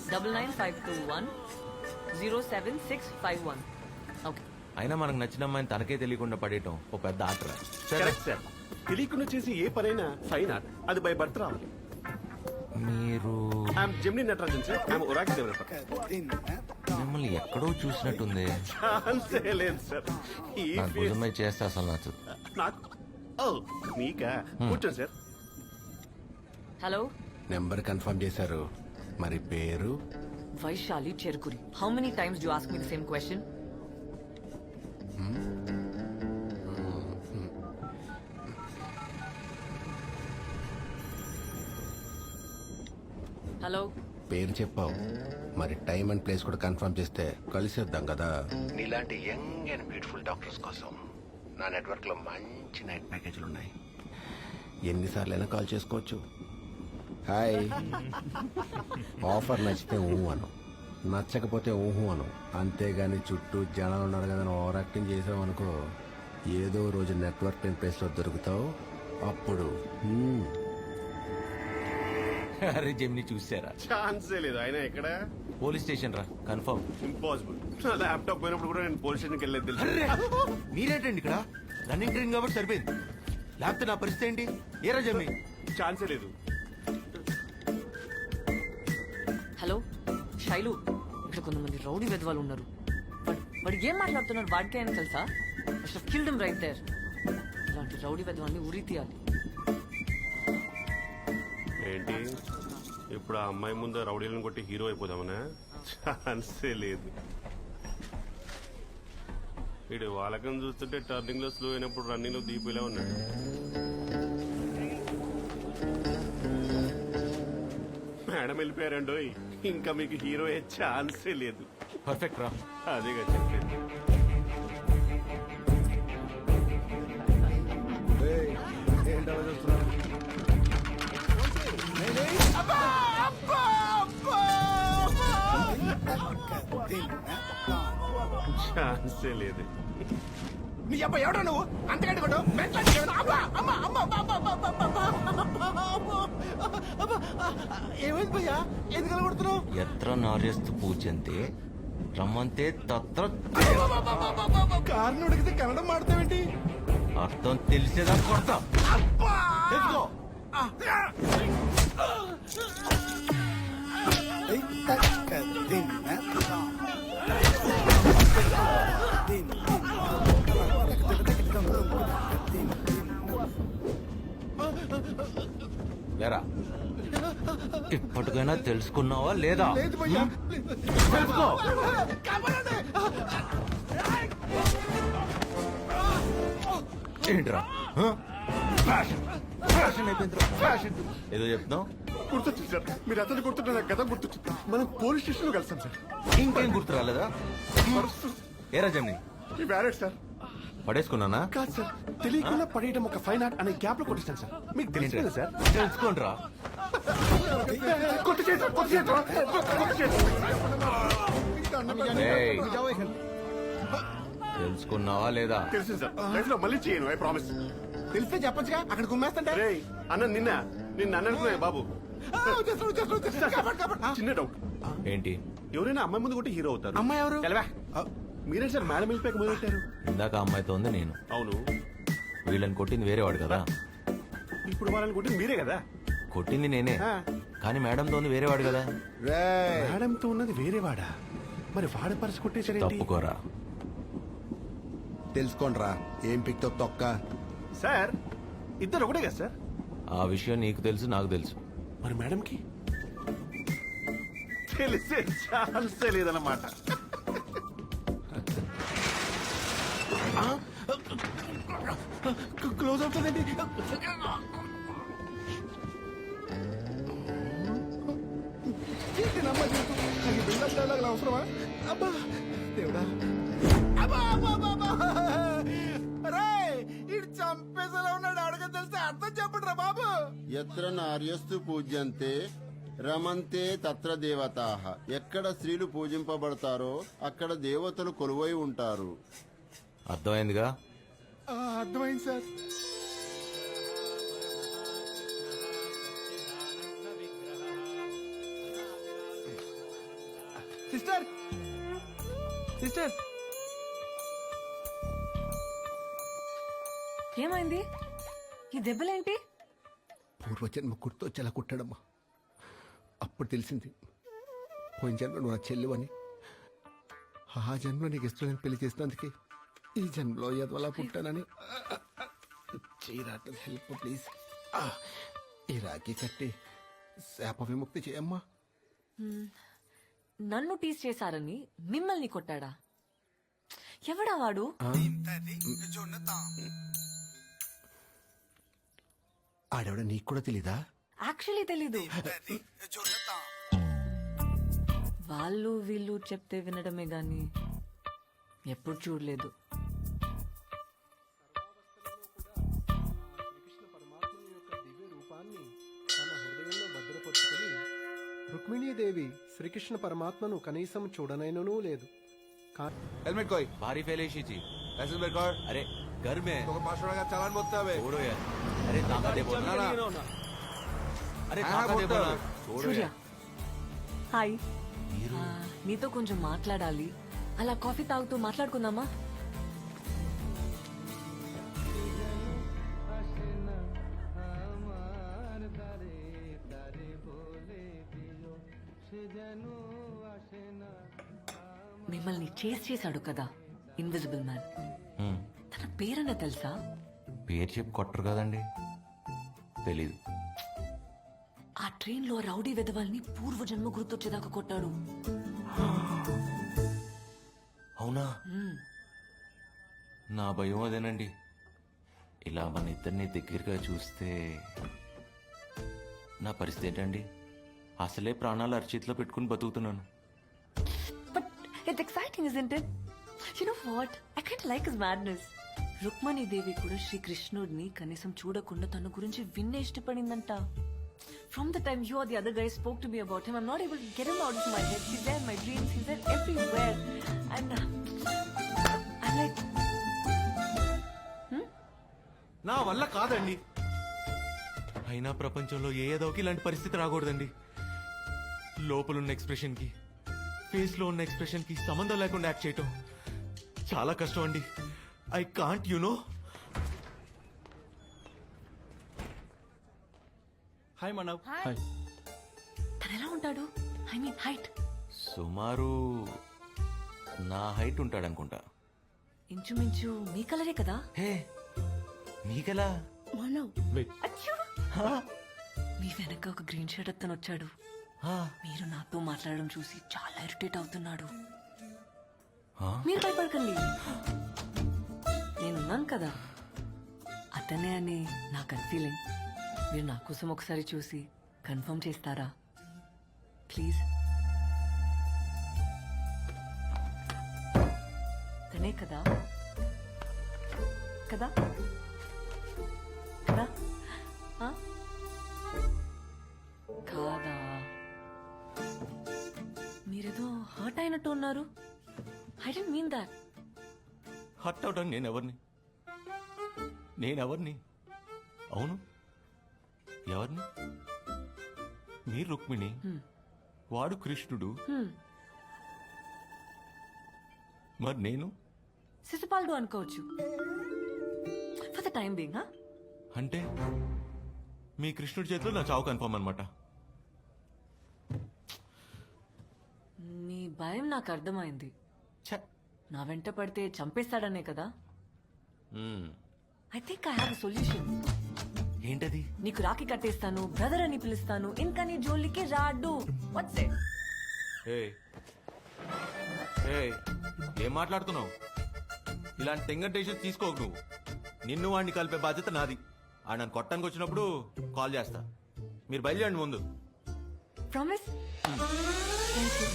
99521 okay. అయినా మనకు నచ్చిన అమ్మాయిని తనకే తెలియకుండా పడేయటం ఓ పెద్ద ఆటరా. Correct sir. తెలియకుండా చేసి ఏ పనైనా ఫైన్ ఆర్ట్, అది బై బర్త్ రావాలి. మీరు I am Gemini Natarajan sir, I am Oracle developer. మిమ్మల్ని ఎక్కడో చూసినట్టుంది. ఛాన్సే లేదు సార్. ఈ నాకు ఫేస్ భుజమై చేస్తే అసలు నచ్చదు. నాకు ఓ మీకా కూర్చోండి సార్. హలో, నెంబర్ కన్ఫర్మ్ చేశారు, మరి పేరు? Vaishali Cherukuri. How many times do ask me the same question? Hello, పేరు చెప్పావు, మరి టైం అండ్ ప్లేస్ కూడా కన్ఫర్మ్ చేస్తే కలిసేద్దాం కదా. నీలాంటి యంగ్ అండ్ బ్యూటిఫుల్ డాక్టర్స్ కోసం నా నెట్వర్క్ లో మంచి నైట్ ప్యాకేజీలు ఉన్నాయి. ఎన్నిసార్లు అయినా కాల్ చేసుకోవచ్చు. హాయ్. ఆఫర్ నచ్చితే ఊహు అను, నచ్చకపోతే ఊహు అను. అంతేగాని చుట్టూ జనాలు ఉన్నారు కదా ఓవర్ యాక్టింగ్ చేసావు అనుకో, ఏదో రోజు నెట్వర్క్ లేని ప్లేస్ లో దొరుకుతావు. అప్పుడు అరే జెమిని చూసారా? ఛాన్సే లేదు. ఆయన ఎక్కడ? పోలీస్ స్టేషన్ రా, కన్ఫర్మ్. ఇంపాసిబుల్. నా ల్యాప్టాప్ పోయినప్పుడు కూడా నేను పోలీస్ స్టేషన్కి వెళ్ళలేదు తెలుసు. మీరేంటండి ఇక్కడ? రన్నింగ్ ట్రైన్ కాబట్టి సరిపోయింది. లేకపోతే నా పరిస్థితి ఏంటి? ఏరా జెమిని? ఛాన్సే లేదు. హలో శైలు, ఇక్కడ కొంతమంది రౌడీ వెధవాలు ఉన్నారు. వాడు ఏం మాట్లాడుతున్నారు వాడికే అని తెలుసా? Killed him right there. ఇలాంటి రౌడీ వెధవాన్ని ఉరి తీయాలి. ఏంటి ఇప్పుడు ఆ అమ్మాయి ముందు రౌడీలను కొట్టి హీరో అయిపోదామనా? ఛాన్సే లేదు. వీడు వాళ్ళకం చూస్తుంటే టర్నింగ్ లో స్లో అయినప్పుడు రన్నింగ్ లో దీపిలా ఉన్నాడు. మేడం వెళ్ళిపోయారండో, ఇంకా మీకు హీరో అయ్యే ఛాన్సే లేదు. పర్ఫెక్ట్ రా. అదేగా చెప్పలేదు. ఛాన్సే లేదు. నీ అబ్బా ఎవడో నువ్వు అంతకంటే కొట్టు. ఏమైంది భయ్యా, ఎందుకు కొడుతున్నావు? ఎత్ర నార్యస్తు పూజంతే రమ్మంతే తత్ర. కారుని ఉడికితే కన్నడం మాడతావేంటి? అర్థం తెలిసేదా కొడతా. తెలుసుకో. లేరా, ఇప్పటికైనా తెలుసుకున్నావా లేదా? తెలుసుకో. ఏంట్రా ఫ్యాషన్ అయిపోయిందిరా, ఫ్యాషన్. ఏదో చెప్తున్నావు? గుర్తొచ్చింది సార్, మీరు అతను గుర్తుంటే నాకు గత గుర్తొచ్చింది. మనం పోలీస్ స్టేషన్ లో కలిసాం సార్. ఇంకేం గుర్తు రాలేదా? ఏరా జమ్ని, ఈ వ్యాలెట్ సార్. పడేసుకున్నానా? కాదు సార్, తెలియకుండా పడేయడం ఒక ఫైన్ ఆర్ట్ అనే గ్యాప్ లో కొట్టిస్తాను సార్. మీకు తెలియదు సార్. తెలుసుకోండిరా. ఏయ్, తెలుసుకున్నావా లేదా? తెలుసు సార్, లైఫ్ లో మళ్ళీ చేయను, ఐ ప్రామిస్. తెలిస్తే చెప్పొచ్చుగా, అక్కడ గుమ్మేస్తంటే. రేయ్ అన్న, నిన్న అనుకున్నా బాబు. చిన్న డౌట్. ఏంటి? ఎవరైనా అమ్మాయి ముందు కొట్టి హీరో అవుతారు. అమ్మాయి ఎవరు? తెలవా? మీరే సార్ మేడం వెళ్ళిపోయాక మొదలు పెట్టారు. ఇందాక అమ్మాయితో ఉంది నేను. అవును, వీళ్ళని కొట్టింది వేరేవాడు కదా. ఇప్పుడు వాళ్ళని కొట్టి మీరే కదా. కొట్టింది నేనే, కానీ మేడంతో ఉంది వేరేవాడు కదా. మేడంతో ఉన్నది వేరేవాడా? మరి వాడ పరిస్థితి కొట్టేసారేంటి? తప్పుకోరా. తెలుసుకోండిరా, ఏం పిక్తో తొక్క. సార్ ఇద్దరు ఒకటే కదా సార్? ఆ విషయం నీకు తెలుసు, నాకు తెలుసు. మరి మేడంకి తెలిసే ఛాన్సే లేదన్నమాట. క్లోజ్ అవుతుందండి. అవసరమా? అబ్బా దేవుడా, చంపేసేలా ఉన్నాడు. అడగ తెలిస్తే అర్థం చెప్పండి రా బాబు. ఎత్ర నార్యస్తు పూజ్యంతే రమంతే తత్ర దేవతాః. ఎక్కడ స్త్రీలు పూజింపబడతారో అక్కడ దేవతలు కొలువై ఉంటారు. అర్థమైందిగా? అర్థమైంది సార్. సిస్టర్ సిస్టర్ ఏమైంది? ఈ దెబ్బలేంటి? పూర్వజన్మ గుర్తొచ్చేలా కుట్టాడమ్మా. అప్పుడు తెలిసింది పోయిన జన్మ నువ్వు నా చెల్లువని. ఆ జన్మ నీకు ఇష్టం పెళ్లి చేసినందుకే ఈ జన్మలో ఎదవలా పుట్టానని. చీరాట హెల్ప్ ప్లీజ్. ఈ రాఖీ కట్టి శాప విముక్తి చేయమ్మా. నన్ను టీస్ చేశారని మిమ్మల్ని కొట్టాడా? ఎవడా వాడు? ఆడవిడ నీకు కూడా తెలీదా? యాక్చువల్లీ తెలీదు. వాళ్ళు వీళ్ళు చెప్తే వినడమే గాని ఎప్పుడు చూడలేదు. రుక్మిణీదేవి శ్రీకృష్ణ పరమాత్మను కనీసం చూడనైననూ లేదు. हेलमेट कोई भारी फैलेशी थी पैसेंजर कार अरे घर में तो 500 का चालान बोलता है छोड़ो यार अरे ताका दे बोलना ना अरे ताका दे बोलना छोड़ो సూర్య यार హాయ్. నీతో కొంచెం మాట్లాడాలి. అలా కాఫీ తాగుతూ మాట్లాడుకుందామా? మిమ్మల్ని చేశాడు కదా ఇన్విజిబుల్ మ్యాన్. తన పేరన్న తెలుసా? పేరు చెప్పి కొట్టరు కదండి, తెలీదు. ఆ ట్రైన్ లో రౌడీ వెధవాల్ని పూర్వజన్మ గుర్తొచ్చేదాకా కొట్టాడు. అవునా? నా భయం అదేనండి. ఇలా మన ఇద్దరిని దగ్గరగా చూస్తే నా పరిస్థితి ఏంటండి? అసలే ప్రాణాలు అరచేతిలో పెట్టుకుని బతుకుతున్నాను. But it's exciting, isn't it? You know what? I kind of like his madness. Rukmini దేవి కూడా శ్రీకృష్ణుడిని కనీసం చూడకుండా తన గురించి విన్నే ఇష్టపడిందంట. From the time you or the other guy spoke to me about him, I'm not able to get him out of my head. He's there in my dreams. He's there everywhere. And I'm like, నా వల్ల కాదండి. అయినా ప్రపంచంలో ఏదోకి ఇలాంటి పరిస్థితి రాకూడదండి. లోపలున్న expression కి face లో ఉన్న ఎక్స్ప్రెషన్ కి సంబంధం లేకుండా యాక్ట్ చేయటం చాలా కష్టం అండి. I can't know. Hi Manav. తను ఎలా ఉంటాడు? I mean height. సుమారు నా హైట్ ఉంటాడనుకుంటా. ఇంచుమించు మీ కలరే కదా? హే, మీకెలా? అచ్చో! మీ వెనక ఒక గ్రీన్ షర్ట్ అతను వచ్చాడు. మీరు నాతో మాట్లాడడం చూసి చాలా ఇరిటేట్ అవుతున్నాడు. మీరు భయపడకండి, నేనున్నాను కదా. అతనే అని నా గట్ ఫీలింగ్. మీరు నా కోసం ఒకసారి చూసి కన్ఫర్మ్ చేస్తారా ప్లీజ్? తనే కదా? కదా కదా? ఆ? కాదా? మీరేదో హర్ట్ అయినట్టు ఉన్నారు. I don't mean that. Hurt అవడానికి నేనెవరిని? అవును, ఎవరిని? మీరు రుక్మిణి, వాడు కృష్ణుడు. మరి నేను శిశుపాలుడు అనుకోవచ్చు ఫర్ ద టైం బీయింగ్. అంటే మీ కృష్ణుడి చేతిలో నా చావు కన్ఫర్మ్ అనమాట. నీ భయం నాకు అర్థమైంది. నా వెంట పడితే చంపేస్తాడనే కదా? I think I have solution. ఏంటది? నీకు రాఖీ కట్టేస్తాను, బ్రదర్ అని పిలుస్తాను, ఇంకా నీ జోలికి రాడు. What's it? ఏం మాట్లాడుతున్నావు? ఇలాంటి తెంగర్ డెసిషన్ తీసుకోకు నువ్వు. నిన్ను వాడిని కలిపే బాధ్యత నాది. ఆ నన్ను కొట్టడానికి వచ్చినప్పుడు కాల్ చేస్తా. మీరు బయలుదేరండి ముందు. ప్రామిస్? Thank you.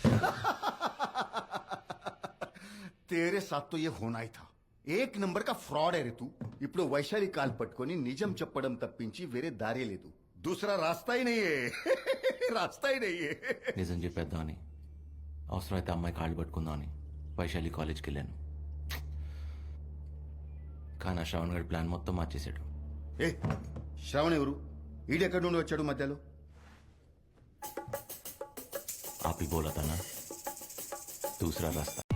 तेरे साथ तो ये होना ही था. एक नंबर का फ्रॉड है रे तू. ఇప్పుడు వైశాలి కాల్ పట్టుకొని నిజం చెప్పడం తప్పించి వేరే దారే లేదు. दूसरा रास्ता ही नहीं है. रास्ता ही नहीं है. నిజం చెప్పేద్దామని, అవసరమైతే అమ్మాయి కాళ్ళు పట్టుకుందామని వైశాలి కాలేజ్కి వెళ్ళాను. కానీ ఆ శ్రవణ్ గడి ప్లాన్ మొత్తం మార్చేశాడు. ఏ శ్రవణ్ ఎవరు? ఈడెక్కడి నుండి వచ్చాడు మధ్యలో? ఆపి బోలతనా? దూసరా రాస్తా